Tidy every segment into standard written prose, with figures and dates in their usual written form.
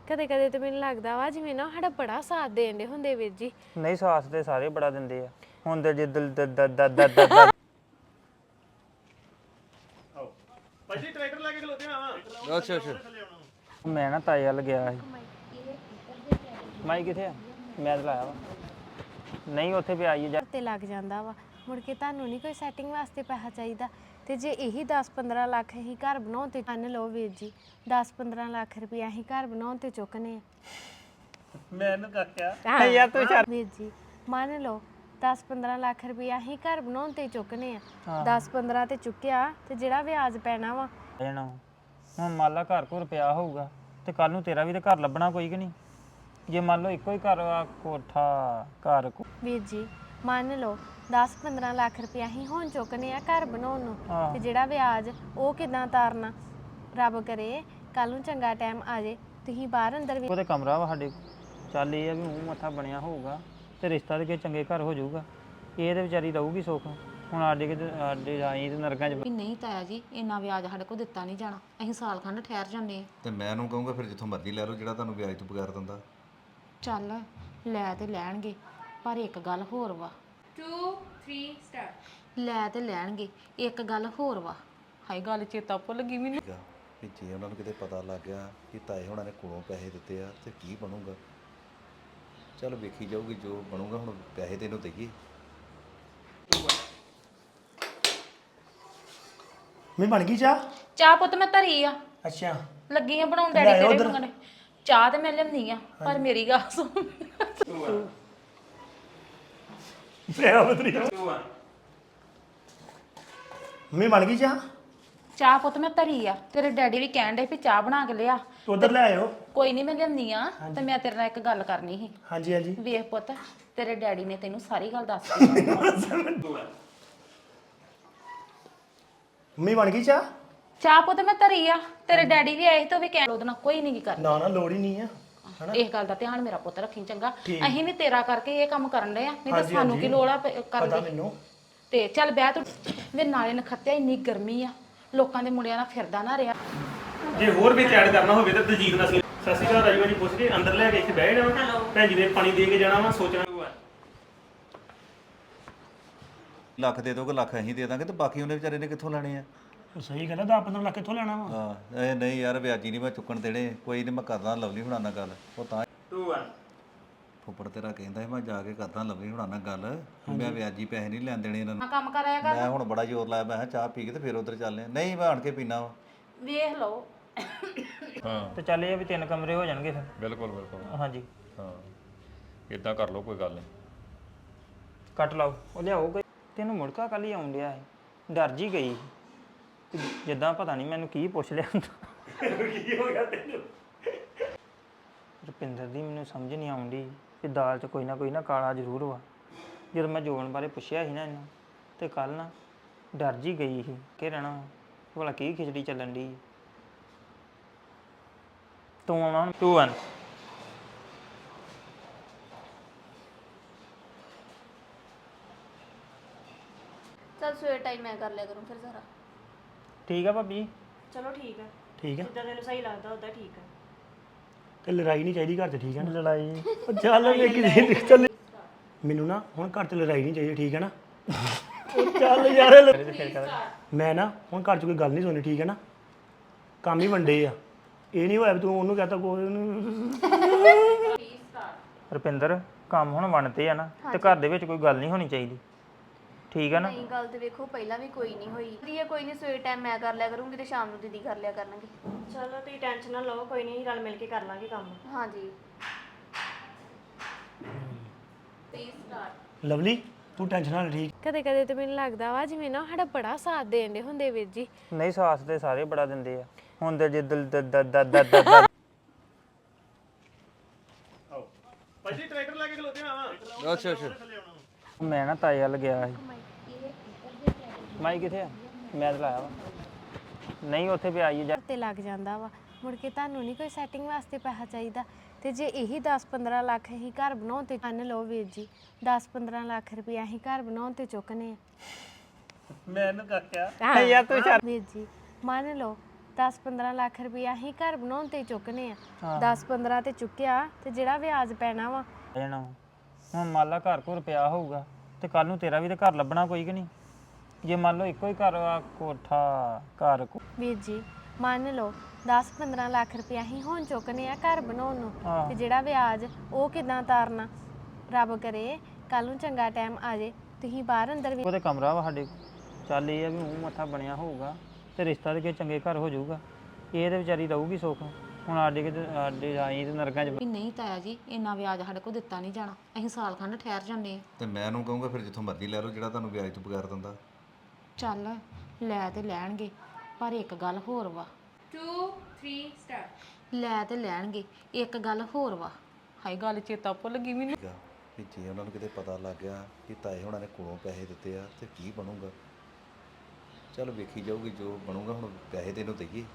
ਕਦੇ ਕਦੇ ਤੇ ਮੈਨੂੰ ਲੱਗਦਾ ਵਾ ਜਿਵੇਂ ਨਾ ਸਾਡਾ ਬੜਾ ਸਾਥ ਦੇਣ ਦੇ ਹੁੰਦੇ ਵੀਰ ਜੀ। ਨਹੀਂ ਸਾਥ ਤੇ ਸਾਰੇ ਬੜਾ ਦਿੰਦੇ ਆ ਹੁਣ ਤੇ ਜੇ ਦਿਲ ਦ ਭਾਜੀ ਟਰੈਕਟਰ ਲੈ ਕੇ ਖਲੋਤੇ ਆ ਅੱਛਾ ਅੱਛਾ ਮੈਂ ਨਾ ਤਾਏ ਵੱਲ ਗਿਆ ਸੀ। ਮਾਈ ਕਿੱਥੇ ਆ? ਮੈਂ ਤਾਂ ਲਾਇਆ ਵਾ ਨਹੀਂ ਉੱਥੇ ਵੀ ਆਈ ਜਾ ਤੇ ਲੱਗ ਜਾਂਦਾ ਵਾ ਮੁੜ ਕੇ ਤੁਹਾਨੂੰ ਨਹੀਂ ਕੋਈ ਸੈਟਿੰਗ ਵਾਸਤੇ ਪੈਸਾ ਚਾਹੀਦਾ ਤੇ ਜੇ ਇਹੀ 10-15 ਲੱਖ ਅਸੀਂ ਘਰ ਬਣਾਉਣ ਤੇ ਮੰਨ ਲਓ ਵੀਰ ਜੀ 10-15 ਲੱਖ ਰੁਪਏ ਅਸੀਂ ਘਰ ਬਣਾਉਣ ਤੇ ਚੁੱਕਨੇ ਆ। ਮੈਨੂੰ ਕਾਕਿਆ ਯਾਰ ਤੂੰ ਚੱਲ ਵੀਰ ਜੀ ਮੰਨ ਲਓ 10-15 ਲੱਖ ਰੁਪਏ ਅਸੀਂ ਘਰ ਬਣਾਉਣ ਤੇ ਚੁੱਕਨੇ ਆ 10-15 ਤੇ ਚੁੱਕਿਆ ਤੇ ਜਿਹੜਾ ਵਿਆਜ ਪੈਣਾ ਵਾ ਜਾਣਾ ਹੁਣ ਮੰਨ ਲਾ ਘਰ ਘਰ ਪਿਆ ਹੋਊਗਾ ਤੇ ਕੱਲ ਨੂੰ ਤੇਰਾ ਵੀ ਤੇ ਘਰ ਲੱਭਣਾ ਕੋਈ ਕਿ ਨਹੀਂ ਜੇ ਮੰਨ ਲਓ ਇੱਕੋ ਹੀ ਘਰ ਆ ਕੋਠਾ ਘਰ ਵੀਰ ਜੀ ਮੰਨ ਲਓ 10-15 ਲੱਖ ਰੁਪਏ ਅਸੀਂ ਹੁਣ ਚੁੱਕਨੇ ਆ ਘਰ ਬਣਾਉਣ ਨੂੰ ਤੇ ਜਿਹੜਾ ਵਿਆਜ ਉਹ ਕਿਦਾਂ ਤਾਰਨਾ ਰੱਬ ਕਰੇ ਕੱਲ ਨੂੰ ਚੰਗਾ ਟਾਈਮ ਆ ਜੇ ਤੁਸੀਂ ਬਾਹਰ ਅੰਦਰ ਵੀ ਉਹਦੇ ਕਮਰਾ ਵਾ ਸਾਡੇ ਚੱਲ ਇਹ ਆ ਵੀ ਮੂੰਹ ਮੱਥਾ ਬਣਿਆ ਹੋਊਗਾ ਤੇ ਰਿਸ਼ਤਾ ਤੇ ਕਿਸੇ ਚੰਗੇ ਘਰ ਹੋ ਜਾਊਗਾ ਇਹ ਤੇ ਵਿਚਾਰੀ ਰਹੂਗੀ ਸੁੱਖ ਹੁਣ ਸਾਡੇ ਆਈ ਤੇ ਨਰਕਾਂ 'ਚ ਵੀ ਨਹੀਂ ਤਾਇਆ ਜੀ ਇੰਨਾ ਵਿਆਜ ਸਾਡੇ ਕੋਲ ਦਿੱਤਾ ਨਹੀਂ ਜਾਣਾ ਅਸੀਂ ਸਾਲ ਖੰਡ ਠਹਿਰ ਜਾਂਦੇ ਆ ਤੇ ਮੈਂ ਉਹਨੂੰ ਕਹੂੰਗਾ ਫਿਰ ਜਿੱਥੋਂ ਮਰਜ਼ੀ ਲੈ ਲਓ ਜਿਹੜਾ ਤੁਹਾਨੂੰ ਵਿਆਜ ਤੋਂ ਬਗੈਰ ਦਿੰਦਾ ਚੱਲ ਲੈ ਤੇ ਲੈਣਗੇ ਪਰ ਇੱਕ ਗੱਲ ਹੋਰ ਵਾ 2 3 ਸਟਾਰਟ ਲੈ ਤੇ ਲੈਣਗੇ ਇੱਕ ਗੱਲ ਹੋਰ ਵਾ ਹਾਈ ਗੱਲ ਚੇਤਾ ਭੁੱਲ ਗਈ ਮੈਨੂੰ ਠੀਕ ਆ ਵੀ ਜੇ ਉਹਨਾਂ ਨੂੰ ਕਿਤੇ ਪਤਾ ਲੱਗ ਗਿਆ ਕਿ ਤਾਏ ਹੋਣਾ ਨੇ ਕੋਲੋਂ ਪੈਸੇ ਦਿੱਤੇ ਆ ਤੇ ਕੀ ਬਣੂਗਾ ਚਲ ਵੇਖੀ ਜਾਊਗੀ ਜੋ ਬਣੂਗਾ ਹੁਣ ਪੈਸੇ ਤੈਨੂੰ ਦਈਏ ਮੈਂ ਬਣ ਗਈ ਚਾਹ ਚਾਹ ਪੁੱਤ ਮੈਂ ਧਰੀ ਆ ਅੱਛਾ ਲੱਗੀ ਆ ਬਣਾਉਣ ਡੈਡੀ ਤੇਰੇ ਮੰਗਣੇ ਚਾਹ ਤੇ ਮੈਂ ਲਿਆਉਂਦੀ ਆ ਪਰ ਮੇਰੀ ਗੱਲ ਸੁਣ ਮੈਂ ਬਤਰੀ ਮੈਂ ਬਣ ਗਈ ਚਾਹ ਚਾਹ ਪੁੱਤ ਮੈਂ ਧਰੀ ਆ ਤੇਰੇ ਡੈਡੀ ਵੀ ਕਹਿਣ ਡੇ ਵੀ ਚਾਹ ਬਣਾ ਕੇ ਲਿਆ ਉਧਰ ਲੈ ਆਇਓ ਕੋਈ ਨਹੀਂ ਮੈਂ ਲਿਆਉਂਦੀ ਆ ਤੇ ਮੈਂ ਤੇਰੇ ਨਾਲ ਇੱਕ ਗੱਲ ਕਰਨੀ ਸੀ ਹਾਂਜੀ ਹਾਂਜੀ ਵੇਖ ਪੁੱਤ ਤੇਰੇ ਡੈਡੀ ਨੇ ਤੈਨੂੰ ਸਾਰੀ ਗੱਲ ਦੱਸ ਦਿੱਤੀ ਮੰਮੀ ਬਣ ਗਈ ਚਾਹ ਚਾਹ ਪੁੱਤ ਮੈਂ ਧਰੀ ਆ ਤੇਰੇ ਡੈਡੀ ਵੀ ਆਏ ਸੀ ਤੇ ਉਹ ਵੀ ਕਹਿਣ ਉਹਦੇ ਨਾਲ ਕੋਈ ਨਹੀਂ ਕਰ ਨਾ ਨਾ ਲੋੜ ਹੀ ਨਹੀਂ ਆ ਇਸ ਗੱਲ ਦਾ ਧਿਆਨ ਮੇਰਾ ਪੁੱਤ ਰੱਖੀ ਚੰਗਾ ਅਸੀਂ ਵੀ ਤੇਰਾ ਕਰਕੇ ਇਹ ਕੰਮ ਕਰਨ ਡਏ ਆ ਨਹੀਂ ਤਾਂ ਸਾਨੂੰ ਕੀ ਲੋੜ ਆ ਕਰਨ ਪਤਾ ਦੀ ਮੈਨੂੰ ਤੇ ਚੱਲ ਬਹਿ ਤੂੰ ਵੇ ਨਾਲੇ ਨਖੱਤਿਆ ਇੰਨੀ ਗਰਮੀ ਆ ਲੋਕਾਂ ਦੇ ਮੁੰਡਿਆਂ ਨਾਲ ਫਿਰਦਾ ਨਾ ਰਿਹਾ ਜੇ ਹੋਰ ਵਿੱਚ ਐਡ ਕਰਨਾ ਹੋਵੇ ਤਾਂ ਦਲਜੀਤ ਨਾਲ ਸਤਿ ਸ਼੍ਰੀ ਅਕਾਲ ਰਾਜੂ ਜੀ ਪੁੱਛ ਕੇ ਅੰਦਰ ਲੈ ਕੇ ਇੱਥੇ ਬਹਿ ਜਾਣਾ ਭੈਣ ਜੀ ਨੇ ਪਾਣੀ ਦੇ ਕੇ ਜਾਣਾ ਵਾ ਸੋਚਣਾ ਲੱਖ ਦੇ ਦੋਗੇ ਲੱਖ ਅਸੀਂ ਦੇ ਦਾਂਗੇ ਤੇ ਬਾਕੀ ਉਹਨੇ ਵਿਚਾਰੇ ਨੇ ਕਿੱਥੋਂ ਲੈਣੇ ਆ ਸਹੀ ਗੱਲ ਹੈ 10-15 ਲੱਖ ਕਿੱਥੋਂ ਲੈਣਾ ਵਾ ਹਾਂ ਇਹ ਨਹੀਂ ਯਾਰ ਵਿਆਜੀ ਨਹੀਂ ਮੈਂ ਚੁੱਕਣ ਦੇਣੇ ਕੋਈ ਨਹੀਂ ਮੈਂ ਕਰਦਾ ਲਵਲੀ ਹੁਣਾਂ ਨਾਲ ਗੱਲ ਉਹ ਤਾਂ 2 1 ਫੁੱਫੜ ਤੇਰਾ ਕਹਿੰਦਾ ਸੀ ਮੈਂ ਜਾ ਕੇ ਕਰਦਾ ਲਵਲੀ ਹੁਣਾਂ ਨਾਲ ਗੱਲ ਵੀ ਮੈਂ ਵਿਆਜੀ ਪੈਸੇ ਨਹੀਂ ਲੈਣ ਦੇਣੇ ਇਹਨਾਂ ਨੂੰ ਕੰਮ ਕਰਾਇਆ ਕਰ ਮੈਂ ਹੁਣ ਬੜਾ ਜ਼ੋਰ ਲਾਇਆ ਮੈਂ ਕਿਹਾ ਚਾਹ ਪੀ ਕੇ ਤੇ ਫਿਰ ਉਧਰ ਚੱਲਦੇ ਆ ਨਹੀਂ ਮੈਂ ਆਣ ਕੇ ਪੀਣਾ ਵਾ ਵੇਖ ਲਓ ਤੇ ਚੱਲ ਇਹ ਆ ਵੀ 3 ਕਮਰੇ ਹੋ ਜਾਣਗੇ ਫਿਰ ਬਿਲਕੁਲ ਬਿਲਕੁਲ ਹਾਂਜੀ ਹਾਂ ਇਦਾਂ ਕਰ ਲਓ ਕੋਈ ਗੱਲ ਨਹੀਂ ਕੱਟ ਲਾਓ ਉਹ ਲਿਆਓ ਕੋਈ ਤੈਨੂੰ ਮੁੜਕਾ ਕੱਲ ਹੀ ਆਉਣ ਡਿਆ ਸੀ ਡਰ ਜੀ ਗਈ ਤੇ ਜਿੱਦਾਂ ਪਤਾ ਨਹੀਂ ਮੈਨੂੰ ਕੀ ਪੁੱਛ ਲਿਆ ਹੁੰਦਾ ਕੀ ਹੋ ਗਿਆ ਤੈਨੂੰ ਰੁਪਿੰਦਰ ਦੀ ਮੈਨੂੰ ਸਮਝ ਨਹੀਂ ਆਉਂਦੀ ਕਿ ਦਾਲ 'ਚ ਕੋਈ ਨਾ ਕਾਲਾ ਜ਼ਰੂਰ ਵਾ ਜਦੋਂ ਮੈਂ ਜੋਬਨ ਬਾਰੇ ਪੁੱਛਿਆ ਸੀ ਨਾ ਇਹਨੂੰ ਤੇ ਕੱਲ ਨਾ ਡਰ ਜੀ ਗਈ ਸੀ ਕਿ ਰਹਿਣਾ ਭਲਾ ਕੀ ਖਿਚੜੀ ਚੱਲਣ ਦੀ ਤੂੰ ਆਉਣਾ ਹੁਣ 2 1 ਚੱਲ ਸਵੇਰ ਟਾਈਮ ਮੈਂ ਕਰ ਲਿਆ ਕਰੂੰ ਫਿਰ ਸਾਰਾ ਠੀਕ ਆ ਭਾਬੀ ਚਲੋ ਠੀਕ ਹੈ ਠੀਕ ਆ ਜਿੱਦਾਂ ਤੈਨੂੰ ਸਹੀ ਲੱਗਦਾ ਉਦਾਂ ਠੀਕ ਹੈ ਤੇ ਲੜਾਈ ਨਹੀਂ ਚਾਹੀਦੀ ਘਰ 'ਚ ਠੀਕ ਹੈ ਨਾ ਲੜਾਈ ਚੱਲ ਵੇਖੀ ਚੱਲ ਮੈਨੂੰ ਨਾ ਹੁਣ ਘਰ 'ਚ ਲੜਾਈ ਨਹੀਂ ਚਾਹੀਦੀ ਠੀਕ ਹੈ ਨਾ ਉਹ ਚੱਲ ਯਾਰ ਮੈਂ ਨਾ ਹੁਣ ਘਰ 'ਚ ਕੋਈ ਗੱਲ ਨਹੀਂ ਸੁਣਨੀ ਠੀਕ ਹੈ ਨਾ ਕੰਮ ਹੀ ਵੰਡੇ ਆ ਇਹ ਨਹੀਂ ਹੋਇਆ ਵੀ ਤੂੰ ਉਹਨੂੰ ਕਹਤਾ ਕੋਈ ਰੁਪਿੰਦਰ ਕੰਮ ਹੁਣ ਬਣਤੇ ਆ ਨਾ ਤੇ ਘਰ ਦੇ ਵਿੱਚ ਕੋਈ ਗੱਲ ਨਹੀਂ ਹੋਣੀ ਚਾਹੀਦੀ ਠੀਕ ਆ ਨਾ ਨਹੀਂ ਗੱਲ ਤੇ ਵੇਖੋ ਪਹਿਲਾਂ ਵੀ ਕੋਈ ਨਹੀਂ ਹੋਈ ਦੀ ਕੋਈ ਨਹੀਂ ਸਵੇਰ ਟਾਈਮ ਮੈਂ ਕਰ ਲਿਆ ਕਰੂੰਗੀ ਤੇ ਸ਼ਾਮ ਨੂੰ ਦੀਦੀ ਕਰ ਲਿਆ ਕਰਨਗੇ ਚਲੋ ਤੁਸੀਂ ਟੈਨਸ਼ਨ ਨਾ ਲਓ ਕੋਈ ਨਹੀਂ ਰਲ ਮਿਲ ਕੇ ਕਰ ਲਾਂਗੇ ਕੰਮ ਹਾਂਜੀ ਲਵਲੀ ਤੂੰ ਟੈਨਸ਼ਨ ਨਾ ਲੈ ਠੀਕ ਕਦੇ ਕਦੇ ਤੇ ਮੈਨੂੰ ਲੱਗਦਾ ਵਾ ਜਿਵੇਂ ਨਾ ਸਾਡਾ ਬੜਾ ਸਾਥ ਦੇਣ ਦੇ ਹੁੰਦੇ ਵੀਰ ਜੀ। ਨਹੀਂ ਸਾਥ ਤੇ ਸਾਰੇ ਬੜਾ ਦਿੰਦੇ ਆ ਹੁਣ ਤੇ ਜੇ ਦਿਲ ਭਾਜੀ ਟਰੈਕਟਰ ਲੈ ਕੇ ਖਲੋਤੇ ਆ ਅੱਛਾ ਅੱਛਾ ਮੈਂ ਨਾ ਤਾਏ ਵੱਲ ਗਿਆ ਸੀ ਮਾਈ ਕਿੱਥੇ ਆ ਮੈਂ ਤਾਂ ਲਾਇਆ ਵਾ ਨਹੀਂ ਉੱਥੇ ਵੀ ਆਈ ਜਾ ਤੇ ਲੱਗ ਜਾਂਦਾ ਵਾ ਮੁੜ ਕੇ ਤੁਹਾਨੂੰ ਨਹੀਂ ਕੋਈ ਸੈਟਿੰਗ ਵਾਸਤੇ ਪੈਸਾ ਚਾਹੀਦਾ ਤੇ ਜੇ ਇਹੀ 10-15 ਲੱਖ ਅਸੀਂ ਘਰ ਬਣਾਉਣ ਤੇ ਮੰਨ ਲਓ ਵੀਰ ਜੀ 10-15 ਲੱਖ ਰੁਪਏ ਅਸੀਂ ਘਰ ਬਣਾਉਣ ਤੇ ਚੁੱਕਨੇ ਆ ਮੈਨੂੰ ਕਾਕਿਆ ਯਾਰ ਤੂੰ ਵੀਰ ਜੀ ਮੰਨ ਲਓ 10-15 ਲੱਖ ਰੁਪਇਆ ਅਸੀਂ ਘਰ ਬਣਾਉਣ ਤੇ ਚੁੱਕਨੇ ਆ 10-15 ਤੇ ਚੁੱਕਿਆ ਤੇ ਜਿਹੜਾ ਵਿਆਜ ਪੈਣਾ ਵਾ ਜਾਣਾ ਹੁਣ ਮੰਨ ਲਾ ਘਰ ਘਰ ਪਿਆ ਹੋਊਗਾ ਤੇ ਕੱਲ ਨੂੰ ਤੇਰਾ ਵੀ ਤੇ ਘਰ ਲੱਭਣਾ ਕੋਈ ਕਿ ਨਹੀਂ ਜੇ ਮੰਨ ਲਓ ਇੱਕੋ ਹੀ ਘਰ ਆ ਕੋਠਾ ਘਰ ਵੀਰ ਜੀ ਮੰਨ ਲਓ 10-15 ਲੱਖ ਰੁਪਇਆ ਅਸੀਂ ਹੁਣ ਚੁੱਕਨੇ ਆ ਘਰ ਬਣਾਉਣ ਨੂੰ ਤੇ ਜਿਹੜਾ ਵਿਆਜ ਉਹ ਕਿਦਾਂ ਤਾਰਨਾ ਰੱਬ ਕਰੇ ਕੱਲ ਨੂੰ ਚੰਗਾ ਟਾਈਮ ਆ ਜੇ ਤੁਸੀਂ ਬਾਹਰ ਅੰਦਰ ਵੀ ਉਹਦੇ ਕਮਰਾ ਵਾ ਸਾਡੇ ਚੱਲ ਇਹ ਆ ਵੀ ਮੂੰਹ ਮੱਥਾ ਬਣਿਆ ਹੋਊਗਾ ਤੇ ਰਿਸ਼ਤਾ ਤੇ ਕਿਸੇ ਚੰਗੇ ਘਰ ਹੋ ਜਾਊਗਾ ਇਹ ਤੇ ਵਿਚਾਰੀ ਰਹੂਗੀ ਸੁੱਖ ਹੁਣ ਸਾਡੇ ਆਈ ਤੇ ਨਰਕਾਂ 'ਚ ਵੀ ਨਹੀਂ ਤਾਇਆ ਜੀ ਇੰਨਾ ਵਿਆਜ ਸਾਡੇ ਕੋਲ ਦਿੱਤਾ ਨਹੀਂ ਜਾਣਾ ਅਸੀਂ ਸਾਲ ਖੰਡ ਠਹਿਰ ਜਾਂਦੇ ਆ ਤੇ ਮੈਂ ਉਹਨੂੰ ਕਹੂੰਗਾ ਫਿਰ ਜਿੱਥੋਂ ਮਰਜ਼ੀ ਲੈ ਲਓ ਜਿਹੜਾ ਤੁਹਾਨੂੰ ਵਿਆਜ ਤੋਂ ਬਗੈਰ ਦਿੰਦਾ। ਚੱਲ ਲੈ ਤੇ ਲੈਣਗੇ ਪਰ ਇੱਕ ਗੱਲ ਹੋਰ ਵਾ 2 3 ਸਟਾਰਟ। ਲੈ ਤੇ ਲੈਣਗੇ ਇੱਕ ਗੱਲ ਹੋਰ ਵਾ ਹਾਈ ਗੱਲ ਚੇਤਾ ਭੁੱਲ ਗਈ ਮੈਨੂੰ ਠੀਕ ਆ ਵੀ ਜੇ ਉਹਨਾਂ ਨੂੰ ਕਿਤੇ ਪਤਾ ਲੱਗ ਗਿਆ ਕਿ ਤਾਏ ਹੋਣਾ ਨੇ ਕੋਲੋਂ ਪੈਸੇ ਦਿੱਤੇ ਆ ਤੇ ਕੀ ਬਣੂਗਾ। ਚਲ ਵੇਖੀ ਜਾਊਗੀ ਜੋ ਬਣੂਗਾ ਹੁਣ ਪੈਸੇ ਤੇ ਇਹਨੂੰ ਦਈਏ।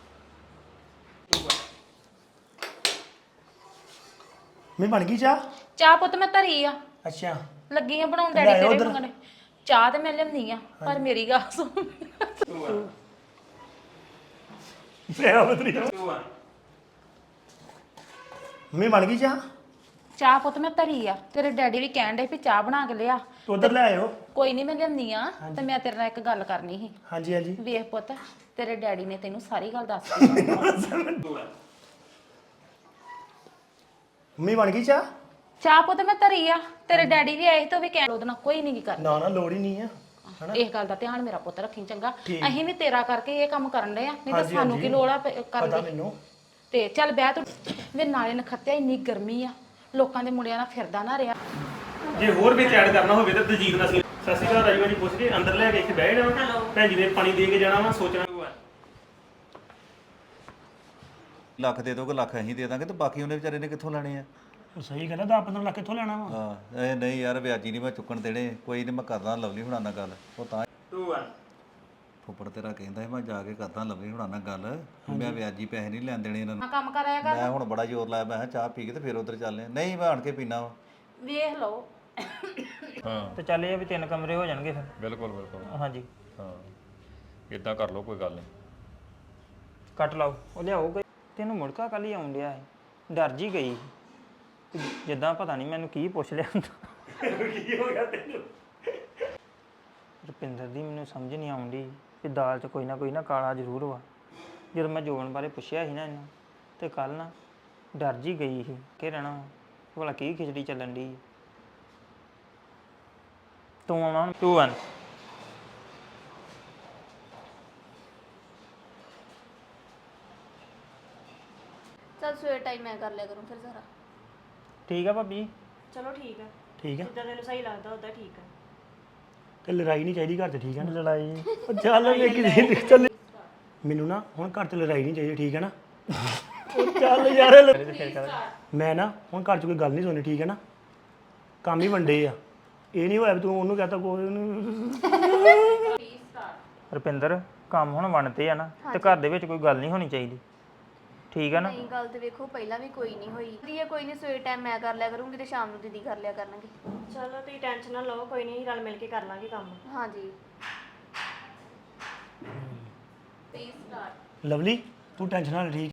ਮੈਂ ਬਣ ਗਈ ਚਾਹ ਚਾਹ ਪੁੱਤ ਮੈਂ ਧਰੀ ਆ ਅੱਛਾ ਲੱਗੀ ਆ ਬਣਾਉਣ ਡੈਡੀ ਤੇਰੇ ਮੰਗਣੇ ਚਾਹ ਤੇ ਮੈਂ ਲਿਆਉਂਦੀ ਆ ਪਰ ਮੇਰੀ ਗੱਲ ਸੁਣ ਮੈਂ ਬਣ ਗਈ ਚਾਹ ਚਾਹ ਪੁੱਤ ਮੈਂ ਧਰੀ ਆ ਤੇਰੇ ਡੈਡੀ ਵੀ ਕਹਿਣ ਡੇ ਵੀ ਚਾਹ ਬਣਾ ਕੇ ਲਿਆ ਉਧਰ ਲੈ ਆਇਓ ਕੋਈ ਨਹੀਂ ਮੈਂ ਲਿਆਉਂਦੀ ਆ ਤੇ ਮੈਂ ਤੇਰੇ ਨਾਲ ਇੱਕ ਗੱਲ ਕਰਨੀ ਸੀ ਹਾਂਜੀ ਹਾਂਜੀ ਵੇਖ ਪੁੱਤ ਤੇਰੇ ਡੈਡੀ ਨੇ ਤੈਨੂੰ ਸਾਰੀ ਗੱਲ ਦੱਸ ਦਿੱਤੀ ਮੰਮੀ ਬਣ ਗਈ ਚਾਹ ਚਾਹ ਪੁੱਤ ਮੈਂ ਧਰੀ ਆ ਤੇਰੇ ਡੈਡੀ ਵੀ ਆਏ ਸੀ ਤੇ ਉਹ ਵੀ ਕਹਿਣ ਉਹਦੇ ਨਾਲ ਕੋਈ ਨਹੀਂ ਕਰਨਾ ਨਾ ਨਾ ਲੋੜ ਹੀ ਨਹੀਂ ਆ ਇਸ ਗੱਲ ਦਾ ਧਿਆਨ ਮੇਰਾ ਪੁੱਤ ਰੱਖੀ ਚੰਗਾ ਅਸੀਂ ਵੀ ਤੇਰਾ ਕਰਕੇ ਇਹ ਕੰਮ ਕਰਨ ਡਏ ਆ ਨਹੀਂ ਤਾਂ ਸਾਨੂੰ ਕੀ ਲੋੜ ਆ ਕਰਨ ਪਤਾ ਦੀ ਮੈਨੂੰ ਤੇ ਚੱਲ ਬਹਿ ਤੂੰ ਵੇ ਨਾਲੇ ਨਖੱਤਿਆ ਇੰਨੀ ਗਰਮੀ ਆ ਲੋਕਾਂ ਦੇ ਮੁੰਡਿਆਂ ਨਾਲ ਫਿਰਦਾ ਨਾ ਰਿਹਾ ਜੇ ਹੋਰ ਵਿੱਚ ਐਡ ਕਰਨਾ ਹੋਵੇ ਤਾਂ ਦਲਜੀਤ ਨਾਲ ਸੀ। ਸਤਿ ਸ਼੍ਰੀ ਅਕਾਲ ਰਾਜੂ ਜੀ ਪੁੱਛ ਕੇ ਅੰਦਰ ਲੈ ਕੇ ਇੱਥੇ ਬਹਿ ਜਾਣਾ ਭੈਣ ਜੀ ਨੇ ਪਾਣੀ ਦੇ ਕੇ ਜਾਣਾ ਵਾ ਸੋਚਣਾ ਲੱਖ ਦੇ ਦੋਗੇ ਲੱਖ ਅਸੀਂ ਦੇ ਦਾਂਗੇ ਤੇ ਬਾਕੀ ਉਹਨੇ ਵਿਚਾਰੇ ਨੇ ਕਿੱਥੋਂ ਲੈਣੇ ਆ। ਉਹ ਸਹੀ ਗੱਲ ਆ 10-15 ਲੱਖ ਕਿੱਥੋਂ ਲੈਣਾ ਵਾ ਹਾਂ ਇਹ ਨਹੀਂ ਯਾਰ ਵਿਆਜੀ ਨਹੀਂ ਮੈਂ ਚੁੱਕਣ ਦੇਣੇ ਕੋਈ ਨਹੀਂ ਮੈਂ ਕਰਦਾ ਲਵਲੀ ਹੁਣਾਂ ਨਾਲ ਗੱਲ ਉਹ ਤਾਂ 2 1 ਫੁੱਫੜ ਤੇਰਾ ਕਹਿੰਦਾ ਸੀ ਮੈਂ ਜਾ ਕੇ ਕਰਦਾ ਲਵਲੀ ਹੁਣਾਂ ਨਾਲ ਗੱਲ ਮੈਂ ਵਿਆਜੀ ਪੈਸੇ ਨਹੀਂ ਲੈਣ ਦੇਣੇ ਇਹਨਾਂ ਨੂੰ। ਕੰਮ ਕਰਾਇਆ ਕਰ ਮੈਂ ਹੁਣ ਬੜਾ ਜ਼ੋਰ ਲਾਇਆ ਮੈਂ ਕਿਹਾ ਚਾਹ ਪੀ ਕੇ ਤੇ ਫਿਰ ਉਧਰ ਚੱਲਦੇ ਨਹੀਂ ਮੈਂ ਆਣ ਕੇ ਪੀਣਾ ਵਾ। ਵੇਖ ਲਓ ਹਾਂ ਤੇ ਚੱਲ ਇਹ ਆ ਵੀ 3 ਕਮਰੇ ਹੋ ਜਾਣਗੇ ਫਿਰ ਬਿਲਕੁਲ ਬਿਲਕੁਲ ਹਾਂਜੀ ਹਾਂ ਇਦਾਂ ਕਰ ਲਓ ਕੋਈ ਗੱਲ ਨਹੀਂ ਕੱਟ ਲਾਓ ਉਹ ਲਿਆਓਗਾ ਤੈਨੂੰ ਮੁੜਕਾ ਕੱਲ ਹੀ ਆਉਣ ਡਿਆ ਸੀ ਡਰ ਜੀ ਗਈ ਸੀ। ਜਿੱਦਾਂ ਪਤਾ ਨਹੀਂ ਮੈਨੂੰ ਕੀ ਪੁੱਛ ਲਿਆ ਕੀ ਹੋ ਗਿਆ ਤੈਨੂੰ ਰੁਪਿੰਦਰ ਦੀ ਮੈਨੂੰ ਸਮਝ ਨਹੀਂ ਆਉਂਦੀ ਕਿ ਦਾਲ 'ਚ ਕੋਈ ਨਾ ਕਾਲਾ ਜ਼ਰੂਰ ਵਾ ਜਦੋਂ ਮੈਂ ਜੋਬਨ ਬਾਰੇ ਪੁੱਛਿਆ ਸੀ ਨਾ ਇਹਨੂੰ ਤੇ ਕੱਲ ਨਾ ਡਰ ਜੀ ਗਈ ਸੀ ਕਿ ਰਹਿਣਾ ਵਾ ਭਲਾ ਕੀ ਖਿਚੜੀ ਚੱਲਣ ਦੀ ਤੂੰ ਆਉਣਾ 2 1 ਚਲ ਸਵੇਰ ਟਾਈਮ ਮੈਂ ਕਰ ਲਿਆ ਕਰੂੰ ਫਿਰ ਸਾਰਾ। ਠੀਕ ਆ ਭਾਬੀ ਚਲੋ ਠੀਕ ਆ ਠੀਕ ਆ ਜਿੱਦਾਂ ਤੈਨੂੰ ਸਹੀ ਲੱਗਦਾ ਉਦਾਂ ਠੀਕ ਆ ਤੇ ਲੜਾਈ ਨਹੀਂ ਚਾਹੀਦੀ ਘਰ 'ਚ ਠੀਕ ਹੈ ਨਾ ਲੜਾਈ ਉਹ ਚੱਲ ਵੇਖੀ ਚੱਲ ਮੈਨੂੰ ਨਾ ਹੁਣ ਘਰ 'ਚ ਲੜਾਈ ਨਹੀਂ ਚਾਹੀਦੀ ਠੀਕ ਹੈ ਨਾ ਉਹ ਚੱਲ ਯਾਰ ਮੈਂ ਨਾ ਹੁਣ ਘਰ 'ਚ ਕੋਈ ਗੱਲ ਨਹੀਂ ਸੁਣਨੀ ਠੀਕ ਹੈ ਨਾ ਕੰਮ ਹੀ ਵੰਡੇ ਆ ਇਹ ਨਹੀਂ ਹੋਇਆ ਵੀ ਤੂੰ ਉਹਨੂੰ ਕਹਤਾ ਕੋਈ ਉਹਨੂੰ ਰੁਪਿੰਦਰ ਕੰਮ ਹੁਣ ਬਣਤੇ ਆ ਨਾ ਤੇ ਘਰ ਦੇ ਵਿੱਚ ਕੋਈ ਗੱਲ ਨਹੀਂ ਹੋਣੀ ਚਾਹੀਦੀ ਠੀਕ ਆ ਨਾ ਨਹੀਂ ਗੱਲ ਤੇ ਵੇਖੋ ਪਹਿਲਾਂ ਵੀ ਕੋਈ ਨਹੀਂ ਹੋਈ ਦੀਏ ਕੋਈ ਨਹੀਂ ਸਵੇਰ ਟਾਈਮ ਮੈਂ ਕਰ ਲਿਆ ਕਰੂੰਗੀ ਤੇ ਸ਼ਾਮ ਨੂੰ ਦੀਦੀ ਕਰ ਲਿਆ ਕਰਨਗੇ। ਚਲੋ ਤੁਸੀਂ ਟੈਨਸ਼ਨ ਨਾ ਲਓ ਕੋਈ ਨਹੀਂ ਰਲ ਮਿਲ ਕੇ ਕਰ ਲਾਂਗੇ ਕੰਮ ਹਾਂਜੀ ਲਵਲੀ ਤੂੰ ਟੈਨਸ਼ਨ ਨਾ ਲੈ ਠੀਕ